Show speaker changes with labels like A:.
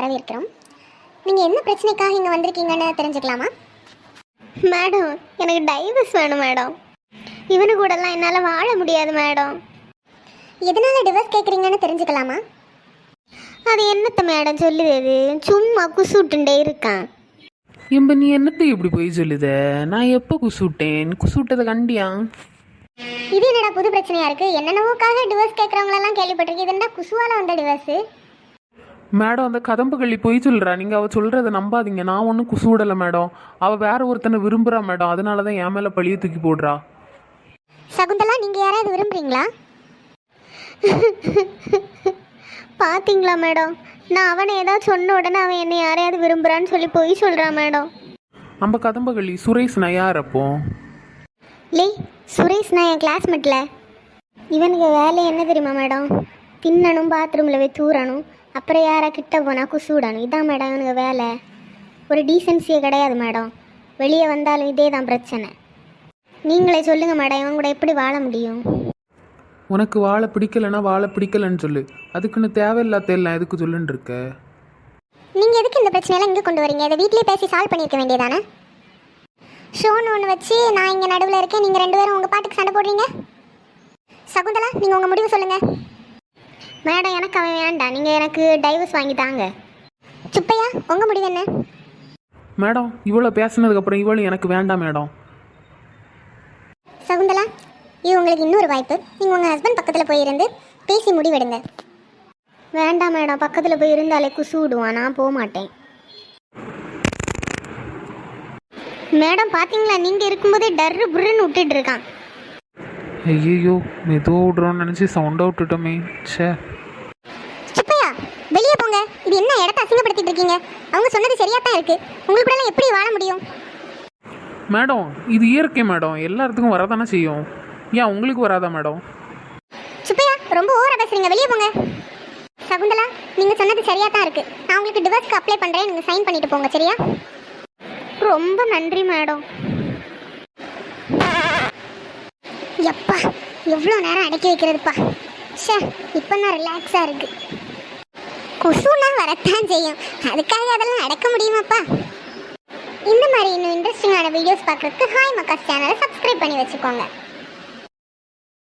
A: வரவேற்கிறோம். நீங்கள் என்ன பிரச்சனைக்காக இங்கே வந்திருக்கீங்கன்னு தெரிஞ்சுக்கலாமா?
B: மேடம், எனக்கு டைவர்ஸ் வேணும் மேடம். இவனு கூடலாம் என்னால் வாழ முடியாது மேடம்.
A: எதனால் டிவோர்ஸ் கேட்குறீங்கன்னு தெரிஞ்சுக்கலாமா?
B: அது என்னத்த மேடம் சொல்லுது? சும்மா குசுட்டுண்டே இருக்கான்.
C: எம்ப நீ என்னத்தை இப்படி போய் சொல்லுத? நான் எப்போ குசுட்டேன்? குசுட்டதை கண்டியா?
A: இது என்னடா புது பிரச்சனையாக இருக்குது? என்னென்னவோக்காக டிவோர்ஸ் கேட்குறவங்களெல்லாம் கேள்விப்பட்டிருக்கு. இது என்ன குசுவால் வந்த டிவோர்ஸு?
C: மேடம், அந்த கதம்பு கள்ளி போய் சொல்கிறா. நீங்கள் அவள் சொல்கிறத நம்பாதீங்க. நான் ஒன்றும் குசுவிடலை மேடம். அவள் வேற ஒருத்தனை விரும்புகிறா மேடம். அதனால தான் என் மேலே பழிய தூக்கி போடுறா.
A: சகுந்தலா, நீங்கள் யாராவது விரும்புகிறீங்களா?
B: பார்த்தீங்களா மேடம், நான் அவனை ஏதாவது சொன்ன உடனே அவன் என்னை யாரையாவது விரும்புகிறான்னு சொல்லி போய் சொல்கிறான் மேடம்.
C: நம்ம கதம்ப கள்ளி சுரேஷ் நான் யார் அப்போ?
B: லே, சுரேஷ் நான் என் கிளாஸ்மேட்டில். இவனுக்கு வேலை என்ன தெரியுமா மேடம்? தின்னணும், பாத்ரூமில் போய் தூரணும், அப்புறம் யாரா கிட்ட போனால் குசுவிடணும். இதான் மேடம் இவனுக்கு வேலை. ஒரு டீசென்சியே கிடையாது மேடம். வெளியே வந்தாலும் இதே தான் பிரச்சனை. நீங்களே சொல்லுங்கள் மேடம், இவன் கூட எப்படி வாழ முடியும்?
C: உனக்கு வாழை பிடிக்கலைன்னா வாழை பிடிக்கலைன்னு சொல்லு. அதுக்குன்னு தேவையில்லாத எல்லாம் எதுக்கு சொல்லுன்னு இருக்க?
A: நீங்கள் எதுக்கு இந்த பிரச்சனையெல்லாம் இங்கே கொண்டு வரீங்க? இதை வீட்லேயே பேசி சால்வ் பண்ணியிருக்க வேண்டியதானே? ஷோன்னு ஒன்று வச்சு நான் இங்கே நடுவில் இருக்கேன், நீங்கள் ரெண்டு பேரும் உங்கள் பாட்டுக்கு சண்டை போடுறீங்க. சகுந்தலா, நீங்கள் உங்கள் முடிவு சொல்லுங்கள்.
B: மேடம், எனக்கு அவன் வேண்டாம். நீங்கள் எனக்கு டைவர்ஸ் வாங்கி தாங்க.
A: சுப்பையா, உங்கள் முடிவு என்ன?
C: மேடம், இவ்வளோ பேசினதுக்கப்புறம் இவ்வளோ எனக்கு வேண்டாம் மேடம்.
A: சகுந்தலா, இது உங்களுக்கு இன்னொரு வாய்ப்பு. நீங்கள் உங்கள் ஹஸ்பண்ட் பக்கத்தில் போயிருந்து பேசி முடிவெடுங்க.
B: வேண்டாம் மேடம், பக்கத்தில் போய் இருந்தாலே குசு விடுவான். நான் போக மாட்டேன். மேடம், பார்த்தீங்களா, நீங்கள் இருக்கும்போதே டர்ரு புருன்னு விட்டுட்டு இருக்கான்.
C: ஐயோ, மெதுவாக விட்றோன்னு நினச்சி சவுண்டாக விட்டுட்டோமே. சே,
A: சுப்பையா, வெளியே போங்க. இது என்ன இடத்த அசிங்கப்படுத்திட்டு இருக்கீங்க? அவங்க சொன்னது சரியாக தான் இருக்குது. உங்களுக்கு கூட எப்படி வாழ முடியும்?
C: மேடம், இது இயற்கை மேடம். எல்லாத்துக்கும் வரதானே செய்யும். ஏன் உங்களுக்கு வராதா மேடம்?
A: சுப்பையா, ரொம்ப ஓவரா பேசுறீங்க. வெளியே போங்க. சகுந்தலா, நீங்கள் சொன்னது சரியாக தான் இருக்குது. நான் உங்களுக்கு டிவோர்ஸ்க்கு அப்ளை பண்ணுறேன். நீங்கள் சைன் பண்ணிட்டு போங்க, சரியா?
B: ரொம்ப நன்றி மேடம்.
A: எப்பா, எவ்வளோ நேரம் அடக்கி வைக்கிறதுப்பா. ஷே, இப்போ தான் ரிலாக்ஸாக இருக்குது. கொசுனா வரத்தான் செய்யும், அதுக்காக அதெல்லாம் அடக்க முடியுமாப்பா? இந்த மாதிரி இன்னும் இன்ட்ரெஸ்டிங்கான வீடியோஸ் பார்க்குறதுக்கு ஹாய் மக்காஸ் சேனலை சப்ஸ்கிரைப் பண்ணி வச்சுக்கோங்க.